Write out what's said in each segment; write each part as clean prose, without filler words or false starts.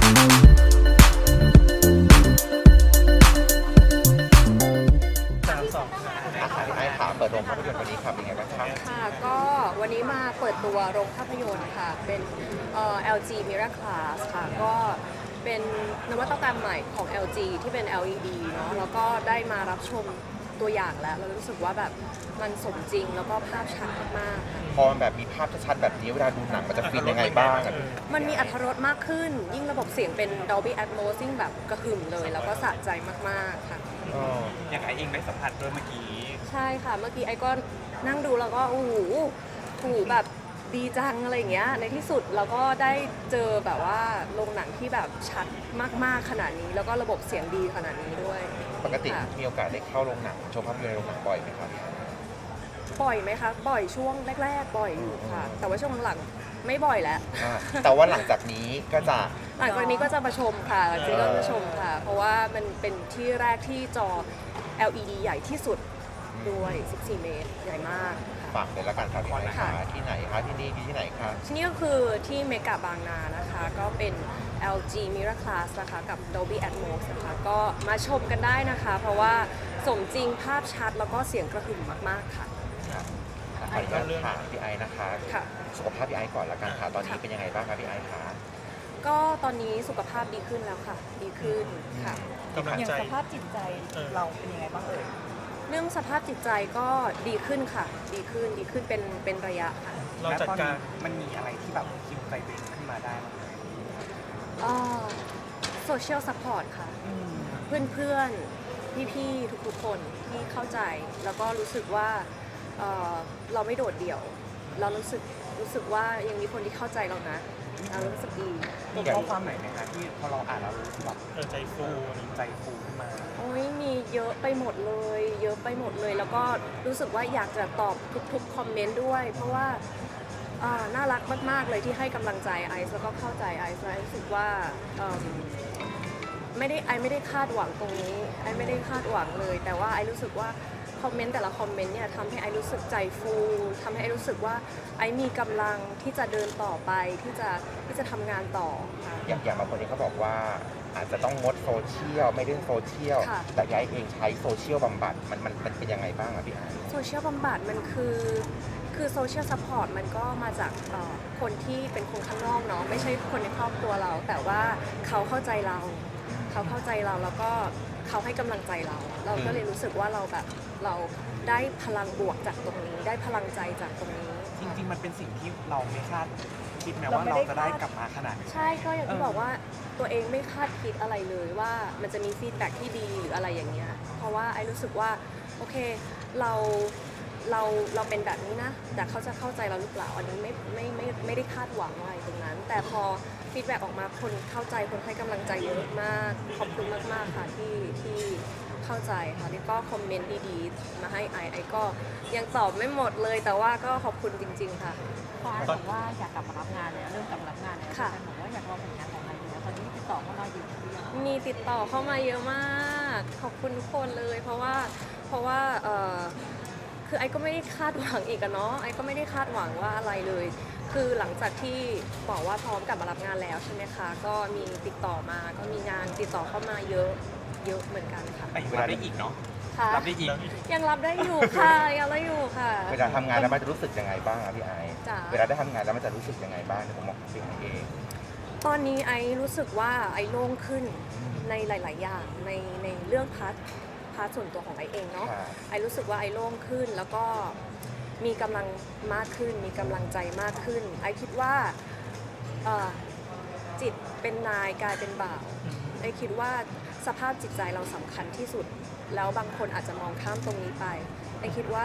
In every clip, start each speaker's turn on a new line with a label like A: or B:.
A: พี่ไอซ์ขาเปิดโรงภาพยนตร์วันนี้ครับเป็นไงบ้างครับ
B: ค่ะก็วันนี้มาเปิดตัวโรงภาพยนตร์ค่ะเป็นLG Mirror Class ค่ะก็เป็นนวัตกรรมใหม่ของ LG ที่เป็น LED เนาะแล้วก็ได้มารับชมตัวอย่างแล้วเรารู้สึกว่าแบบมันสมจริงแล้วก็ภาพชัดมากๆค่ะ
A: พอมันแบบมีภาพชัดๆแบบนี้เวลาดูหนังมันจะฟินยังไงบ้างอะ
B: มันมีอรรถรสมากขึ้น ยิ่งระบบเสียงเป็น Dolby Atmos ยิ่งแบบกระหึ่มเลยแล้วก็สะใจมากๆค่ะ
C: อย่างไอเองได้สัมผัสด้วยเมื่อกี้
B: ใช่ค่ะเมื่อกี้ไอ้ก็นั่งดูแล้วก็โอ้โหแบบดีจังอะไรอย่างเงี้ยในที่สุดเราก็ได้เจอแบบว่าโรงหนังที่แบบชัดมากๆขนาดนี้แล้วก็ระบบเสียงดีขนาดนี้ด้วย
A: ปกติมีโอกาสได้เข้าโรงหนังชมภาพยนตร์ในโรงหนังบ่อยไหมครับ
B: บ่อยไหมคะบ่อยช่วงแรกๆบ่อยอยู่ค่ะแต่ว่าช่วงหลังไม่บ่อยแล้ว
A: แต่ว่าหลังจากนี้ก็จะ
B: หลังจากนี้ก็จะมาชมค่ะหลังจากนี้ก็จะชมค่ะเพราะว่ามันเป็นที่แรกที่จอ LED ใหญ่ที่สุดด้วย14 เมตรใหญ่มาก
A: ฝากเลยละกันครับพี่ไอซ์ขาที่ไหนคะที่นี่ที่ไหนคะ
B: ที่นี่ก็คือที่เมกะบางนานะคะก็เป็น LG Mirror Class นะคะกับ Dolby Atmos นะคะก็มาชมกันได้นะคะเพราะว่าสมจริงภาพชัดแล้วก็เสียงกระหึ่มมากๆค่ะ
A: ขออนุญาตถามพี่ไอซ์นะคะสุขภาพพี่ไอซ์ก่อนละกันค่ะตอนนี้เป็นยังไงบ้างคะพี่ไอซ์คะ
B: ก็ตอนนี้สุขภาพดีขึ้นแล้วค่ะดีขึ้นค่ะ
D: อย่างสภาพจิตใจเราเป็นยังไงบ้างเอ่ย
B: เรื่องสภาพจิตใจก็ดีขึ้นค่ะดีขึ้นเป็นระยะค่ะ
C: เราจัดการมันมีอะไรที่แบบคิวใจตัวเองขึ้นมาได้บ้างไหม
B: โซเชียลซัพพอร์ตค่ะเพื่อนพี่ๆทุกๆคนที่เข้าใจแล้วก็รู้สึกว่าเราไม่โดดเดี่ยวเรารู้สึกว่ายังมีคนที่เข้าใจเรานะเรารู้สึกดี
C: มีข้อความไหนไหมคะที่พอเราอ่านแล้วรู้สึกแบบใจฟูขึ้นมา
B: โอ้ยมีเยอะไปหมดเลยแล้วก็รู้สึกว่าอยากจะตอบทุกคอมเมนต์ด้วยเพราะว่าน่ารักมากๆเลยที่ให้กำลังใจไอซ์แล้วก็เข้าใจไอซ์รู้สึกว่าไม่ได้คาดหวังตรงนี้ไอไม่ได้คาดหวังเลยแต่ว่าไอรู้สึกว่าคอมเมนต์แต่ละคอมเมนต์เนี่ยทำให้ไอรู้สึกใจฟูทำให้ไอรู้สึกว่าไอมีกำลังที่จะเดินต่อไปที่จะทำงานต่อค่ะ
A: อย่างบางคนเองเขาบอกว่าอาจจะต้องงดโซเชียลไม่เล่นโซเชียลแต่ยายเองใช้โซเชียลบำบัดมันเป็นยังไงบ้างอะพี่ไอซ์
B: โซเชียลบำบัดมันคือโซเชียลซัพพอร์ตมันก็มาจากคนที่เป็นคนข้างนอกเนาะไม่ใช่คนในครอบครัวเราแต่ว่าเขาเข้าใจเราแล้วก็เขาให้กำลังใจเราก็เลยรู้สึกว่าเราได้พลังบวกจากตรงนี้ได้พลังใจจากตรงนี้
C: จริงๆมันเป็นสิ่งที่เราไม่คาดคิดแม้ว่าเราจะได้กลับมาขนาดนี้
B: ใช่ก็อย่างที่บอกว่าตัวเองไม่คาดคิดอะไรเลยว่ามันจะมีฟีดแบ็กที่ดีหรืออะไรอย่างเงี้ยเพราะว่าไอ้รู้สึกว่าโอเคเราเป็นแบบนี้นะแต่เขาจะเข้าใจเราหรือเปล่าอันนี้ไม่ได้คาดหวังอะไรตรงนั้นแต่พอฟีดแบ็กออกมาคนเข้าใจคนให้กำลังใจเยอะมากขอบคุณมากๆค่ะที่เข้าใจค่ะแล้วก็คอมเมนต์ดีๆมาให้ไอก็ยังตอบไม่หมดเลยแต่ว่าก็ขอบคุณจริงๆค่ะ
D: ฟ้าบอกว่าอยากกลับมารับงานแล้วเริ่มกลับมารับงานแล้วค่ะบอกว่าอยากลองผลงานของไออยู่แล้วตอนนี้ติดต่อเข้ามาอยู่
B: มีติดต่อเข้ามาเยอะมากขอบคุณทุกคนเลยเพราะว่าคือไอก็ไม่ได้คาดหวังอีกอะเนาะไอก็ไม่ได้คาดหวังว่าอะไรเลยคือหลังจากที่บอกว่าพร้อมกลับมารับงานแล้วใช่ไหมคะก็มีติดต่อมาก็มีงานติดต่อเข้ามาเยอะเหมือนกันค่ะ
C: รับได้อีกเนาะรับได้อีก
B: ยังรับได้อยู่ค่ะยังรับอยู่ค่ะ
A: เวลาทำงานแล้วมันจะรู้สึกยังไงบ้างอะพี่ไอซ์เวลาได้ทำงานแล้วมันจะรู้สึกยังไงบ้างในผมมองตัวเอง
B: ตอนนี้ไอรู้สึกว่าไอโล่งขึ้นในหลายๆอย่างในเรื่องพาร์ทส่วนตัวของไอเองเนาะไอรู้สึกว่าไอโล่งขึ้นแล้วก็มีกำลังมากขึ้นมีกำลังใจมากขึ้นไอคิดว่าจิตเป็นนายกายเป็นบ่าวไอคิดว่าสภาพจิตใจเราสำคัญที่สุดแล้วบางคนอาจจะมองข้ามตรงนี้ไปไอคิดว่า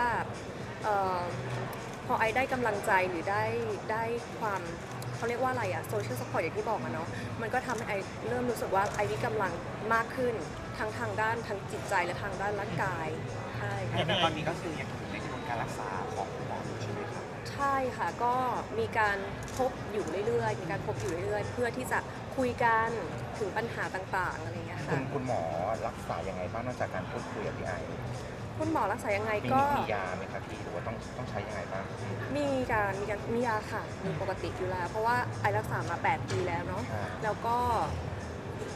B: พอไอได้กำลังใจหรือได้ความเขาเรียกว่าอะไรอะโซเชียลซัพพอร์ตอย่างที่บอกอะเนาะมันก็ทำให้ไอเริ่มรู้สึกว่าไอมีกำลังมากขึ้นทางด้านทางจิตใจและทางด้านร่างกายใช่
C: แต่ตอนนี้ก็คือยังอยู่ในกระบวนการรักษาของคุณหมอใช่ไหมครับ
B: ใช่ค่ะก็มีการพบอยู่เรื่อยๆเพื่อที่จะคุยกันถึงปัญหาต่างๆอะไรอย่างเงี้ยค่ะ
A: คุณหมอรักษายังไงบ้างนอกจากการพูดคุยกับพี่ไอ
B: คุณหมอรักษายังไงก็
A: มียาไหมคะพี่หรือว่าต้องใช้ยังไงบ้าง
B: มียาค่ะมีปกติอยู่แล้วเพราะว่าไอรักษามา8 ปีแล้วเนาะแล้วก็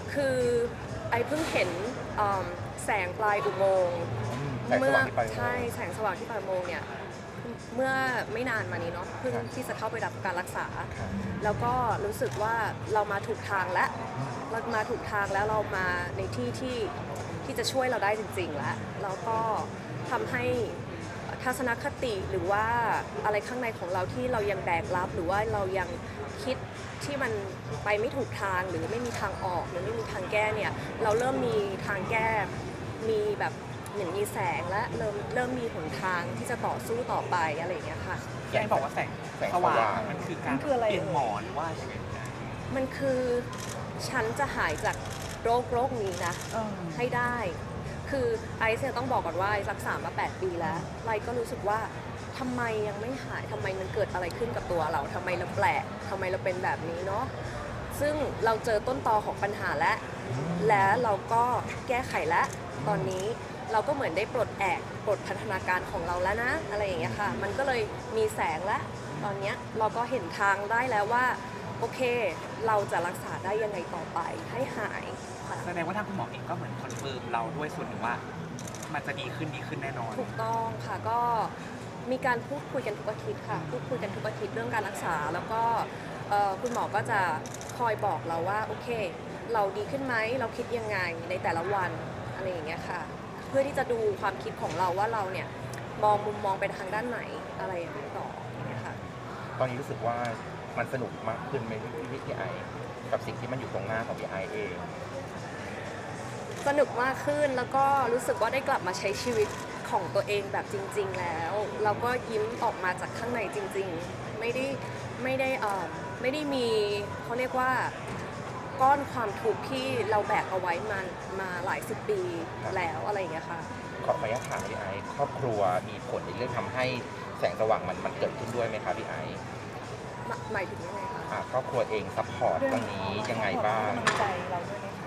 B: คือไอเพิ่งเห็นแสงปลายอุโมงค์
A: แสงสว่างที่ปลายอุโมงค์
B: ใช่แสงสว่างที่ปลายอุโมงค์เนี่ยเมื่อไม่นานมานี้เนาะเพิ่งที่จะเข้าไปรับการรักษา แล้วก็รู้สึกว่าเรามาถูกทางแล้วเรามาถูกทางแล้วเรามาในที่ที่จะช่วยเราได้จริงๆแล้วแล้วก็ทำให้ทัศนคติหรือว่าอะไรข้างในของเราที่เรายังแบกรับหรือว่าเรายังคิดที่มันไปไม่ถูกทางหรือไม่มีทางออกหรือไม่มีทางแก้เนี่ยเราเริ่มมีทางแก้มีแบบเหมือนมีแสงและเริ่มมีหนทางที่จะต่อสู้ต่อไปอะไรอย่างเงี้ยค่ะ
C: พี่ไอ้บอกว่าแสงสว่างมันคือการ
D: มันคืออะไร
C: เปลี่ยนหมอนว่าอย่างไง
B: มันคือฉันจะหายจากโรคนี้นะให้ได้ คือไอซ์เนี่ยต้องบอกก่อนว่าไอซ์รักษามา8 ปีแล้วไลก็รู้สึกว่าทำไมยังไม่หายทำไมมันเกิดอะไรขึ้นกับตัวเราทำไมเราแปลกทำไมเราเป็นแบบนี้เนาะซึ่งเราเจอต้นตอของปัญหาและเราก็แก้ไขแล้วตอนนี้เราก็เหมือนได้ปลดพัฒนาการของเราแล้วนะอะไรอย่างเงี้ยค่ะมันก็เลยมีแสงแล้วตอนเนี้ยเราก็เห็นทางได้แล้วว่าโอเคเราจะรักษาได้ยังไงต่อไปให้หายค่ะ
C: แสดงว่าทางคุณหมอเองก็เหมือนคอนเฟิร์มเราด้วยส่วนหนึ่งว่า มันจะดีขึ้นแน่นอน
B: ถูกต้องค่ะก็มีการพูดคุยกันทุกอาทิตย์ค่ะพูดคุยกันทุกอาทิตย์เรื่องการรักษาแล้วก็คุณหมอก็จะคอยบอกเราว่าโอเค เราดีขึ้นไหมเราคิดยังไงในแต่ละวันอะไรอย่างเงี้ยค่ะเพื่อที่จะดูความคิดของเราว่าเราเนี่ยมองมุมมองไปทางด้านไหนอะไรอย่างนี้ต่ออย่างเงี้ยค่ะ
A: ตอนนี้รู้สึกว่ามันสนุกมากขึ้นไหมพี่ไอกับสิ่งที่มันอยู่ตรงหน้าของพี่ไอเอง
B: สนุกมากขึ้นแล้วก็รู้สึกว่าได้กลับมาใช้ชีวิตของตัวเองแบบจริง ๆ แล้วเราก็ยิ้มออกมาจากข้างในจริง ๆ ไม่ได้มีเขาเรียกว่าก้อนความทุกข์ที่เราแบกเอาไว้มาหลาย10 ปีแล้วอะไรอย่างเงี้ยค่ะ
A: ขออนุญาตถามพี่ไอครอบครัวมีผลในเรื่องทำให้แสงสว่างมันเกิดขึ้นด้วยไหมคะพี่ไอ
B: หมายถึงยังไงคะ
A: ครอบครัวเองซัพพอร์ตตรงนี้ยังไงบ้าง
D: กำลังใจเราด้วยไหมคะ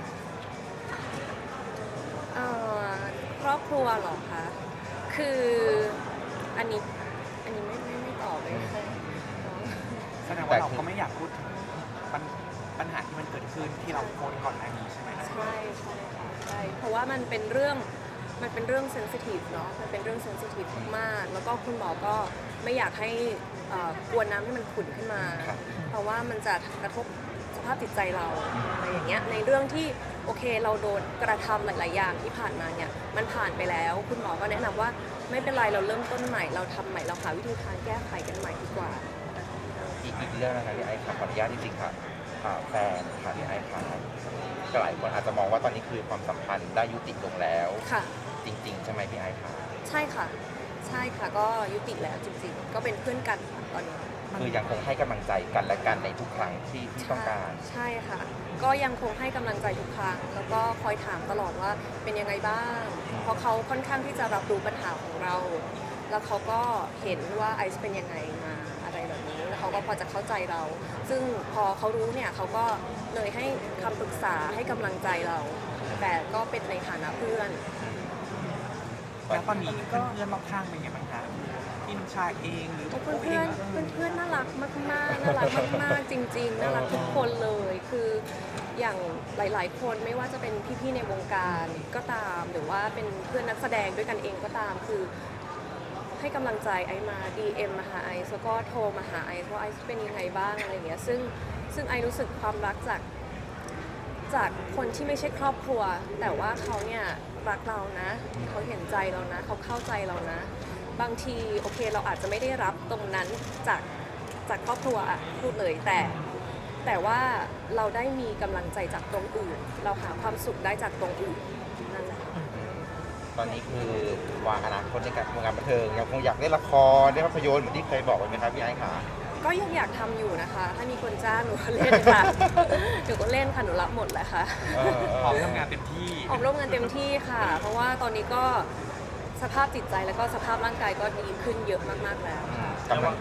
B: ครอบครัวเหรอคะคืออันนี้ไม่ตอบเลยค่ะ
C: แสดงว่าเราก็ไม่อยากพูดถึงปัญหาที่มันเกิดขึ้นที่เราโพสต์ก่อนหน้านี้ใช่ไหม
B: ใช่ค่ะใช่เพราะว่ามันเป็นเรื่องเซนซิทีฟเนาะมันเป็นเรื่องเซนซิทีฟมากๆแล้วก็คุณหมอก็ไม่อยากให้กวนน้ำให้มันขุ่นขึ้นมา
A: ครับ
B: เพราะว่ามันจะกระทบสภาพจิตใจเราอะไรอย่างเงี้ยในเรื่องที่โอเคเราโดนกระทำหลาย ๆ อย่างที่ผ่านมาเนี่ยมันผ่านไปแล้วคุณหมอก็แนะนำว่าไม่เป็นไรเราเริ่มต้นใหม่เราทำใหม่เราหาวิธีทางแก้ไขกันใหม่ดีกว่า
A: อีกเรื่องนะคะพี่ไอครับขออนุญาตจริงๆค่ะแฟนค่ะพี่ไอค่ะก็หลายคนอาจจะมองว่าตอนนี้คือความสัมพันธ์ได้ยุติลงแล้ว
B: ค่ะ
A: จริง ๆ ใช่ไหมพี่ไอค่ะ
B: ใช่ค่ะใช่ค่ะก็ยุติแล้วจริง ๆ ก็เป็นเพื่อนกันค่ะตอนนี้
A: คือยังคงให้กำลังใจกันและกันในทุกครั้งที่ต้องการ
B: ใช่ค่ะ ก็ยังคงให้กำลังใจทุกครั้งแล้วก็คอยถามตลอดว่าเป็นยังไงบ้าง เพราะเขาค่อนข้างที่จะรับรู้ปัญหาของเรา แล้วเขาก็เห็นว่าไอซ์เป็นยังไงมาอะไรแบบนี้แล้วเขาก็พอจะเข้าใจเรา ซึ่งพอเขารู้เนี่ยเขาก็เลยให้คำปรึกษาให้กำลังใจเรา แต่ก็เป็นในฐานะเพื่อน
C: แล้วตอนนี้เพื่อนๆรอบข้างเป็นไงบ้างคะพี่นุชาเองหรือ
B: เพื่อนน่ารักมากๆน่ารักมากๆจริงๆน่ารักทุกคนเลยคืออย่างหลายๆคนไม่ว่าจะเป็นพี่ๆในวงการก็ตามหรือว่าเป็นเพื่อนนักแสดงด้วยกันเองก็ตามคือให้กำลังใจไอซ์มา DM มาหาไอซ์แล้วก็โทรมาหาไอซ์ว่าไอซ์เป็นยังไงบ้างอะไรอย่างเงี้ยซึ่งไอซ์รู้สึกความรักจากคนที่ไม่ใช่ครอบครัว แต่ว่าเขาเนี่ยรักเรานะเขาเห็นใจเรานะเขาเข้าใจเรานะ บางทีโอเคเราอาจจะไม่ได้รับตรงนั้นจากครอบครัวอะพูดเลยแต่ว่าเราได้มีกำลังใจจากตรงอื่น เราหาความสุขได้จากตรงอื่นนั่นแหละ
A: ตอนนี้คือวางอนาคตในการวงการบันเทิงยังคงอยากเล่นละครเล่นภาพยนตร์เหมือนที่เคยบอกไว้ไหมครับพี่ไอซ์ค่ะ
B: ก็ยังอยากทำอยู่นะคะ ถ้ามีคนจ้างหนูก็เล่นค่ะ หนูก็เล่นค่ะหนูรับหมดแหละค่ะ
C: พร้อมทำงานเต็มที่
B: ออกร่วมงานเต็มที่ค่ะ เพราะว่าตอนนี้ก็สภาพจิตใจแล้วก็สภาพร่างกายก็ดีขึ้นเยอะมากๆแล้วค่ะ
A: กำลัง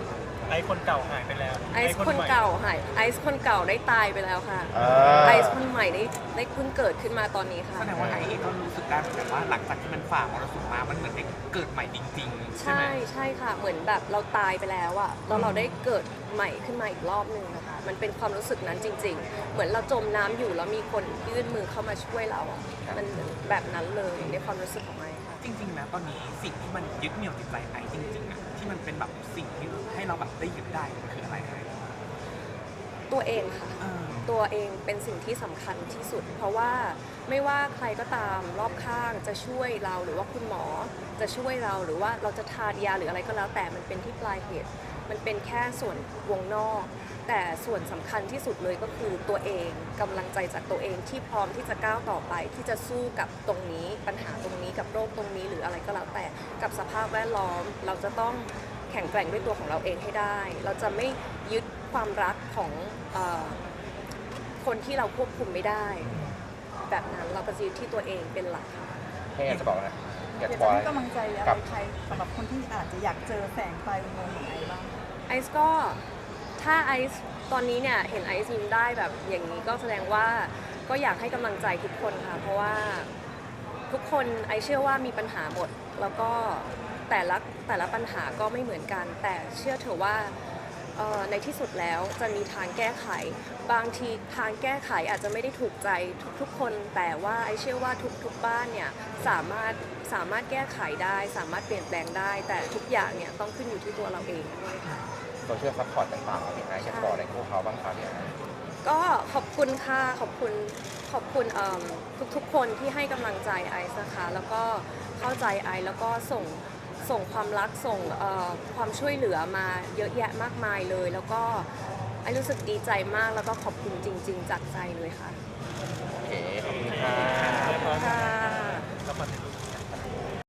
E: ไอคนเก่าหายไปแล้ว
B: ไอซ์คนเก่าหายไอซ์คนเก่าได้ตายไปแล้วค่ะ
A: อ่า
B: ไอซ์คนใหม่ได้เพิ่งเกิดขึ้นมาตอนนี้ค่ะ
C: แสดงว่าไอเองก็รู้สึกได้เหมือนกันว่าหลังจากที่มันฝ่ามรสุมมามันเหมือนได้เกิดใหม่จริงๆใช่ไหม
B: ใช่ค่ะเหมือนแบบเราตายไปแล้วอะแล้วเราได้เกิดใหม่ขึ้นมาอีกรอบหนึ่งนะคะมันเป็นความรู้สึกนั้นจริง ๆ เหมือนเราจมน้ำอยู่แล้วมีคนยื่นมือเข้ามาช่วยเราอะมันเหมือนแบบนั้นเลยในความรู้สึกของไอค่ะ
C: จริงๆนะตอนนี้สิ่งที่มันยึดเหนี่ยวจิตใจไอจริงๆอะที่มันเป็นแบบสิ่งที่ให้เราแบบได้ยึดได้มันคืออะไรไอ
B: ตัวเองค่ะ
C: เออ
B: ตัวเองเป็นสิ่งที่สำคัญที่สุด เพราะว่าไม่ว่าใครก็ตามรอบข้างจะช่วยเราหรือว่าคุณหมอจะช่วยเราหรือว่าเราจะทานยาหรืออะไรก็แล้วแต่มันเป็นที่ปลายเหตุ มันเป็นแค่ส่วนวงนอก แต่ส่วนสำคัญที่สุดเลยก็คือตัวเองกำลังใจจากตัวเองที่พร้อมที่จะก้าวต่อไป ที่จะสู้กับตรงนี้ปัญหาตรงนี้กับโรคตรงนี้หรืออะไรก็แล้วแต่กับสภาพแวดล้อม เราจะต้องแข็งแกร่งด้วยตัวของเราเองให้ได้ เราจะไม่ยึดความรักของคนที่เราควบคุมไม่ได้ แบบนั้นเราก็จะยึดที่ตัวเองเป็นหลักค่ะ
A: แค่อยากจะบอกนะอยาก
F: อยาก
A: บอ
F: จะ
A: ก
F: ให้กำลังใจอะไร
A: กับ
F: ใครสำหรับคนที่อาจจะอยากเจอแสงไฟอุโมงค์ของไอบ้าง
B: ไอซ์ก็ถ้าไอซ์ตอนนี้เนี่ยเห็นไอซ์ยิ้มได้แบบอย่างนี้ก็แสดงว่าก็อยากให้กำลังใจทุกคนค่ะ เพราะว่าทุกคนไอซ์เชื่อว่ามีปัญหาหมด แล้วก็แต่ละปัญหาก็ไม่เหมือนกัน แต่เชื่อเถอะว่าในที่สุดแล้วจะมีทางแก้ไข บางทีทางแก้ไขอาจจะไม่ได้ถูกใจทุกๆคน แต่ว่าไอเชื่อว่าทุกบ้านเนี่ยสามารถแก้ไขได้ สามารถเปลี่ยนแปลงได้ แต่ทุกอย่างเนี่ยต้องขึ้นอยู่ที่ตัวเราเองด้วยค่ะ
A: โซเชียลซัพพอร์ตต่างๆพี่ไอซ์อยากบอกอะไรพวกเขาบ้างครับพี่ไอซ์
B: ก็ขอบคุณค่ะขอบคุณทุกๆคนที่ให้กำลังใจไอซ์นะคะแล้วก็เข้าใจไอซ์แล้วก็ส่งความรักส่งความช่วยเหลือมาเยอะแยะมากมายเลย แล้วก็ไอซ์รู้สึกดีใจมากแล้วก็ขอบคุณจริง ๆ จากใจเลยค่ะ
A: โอเคขอบคุณค่ะ
B: ค่ะ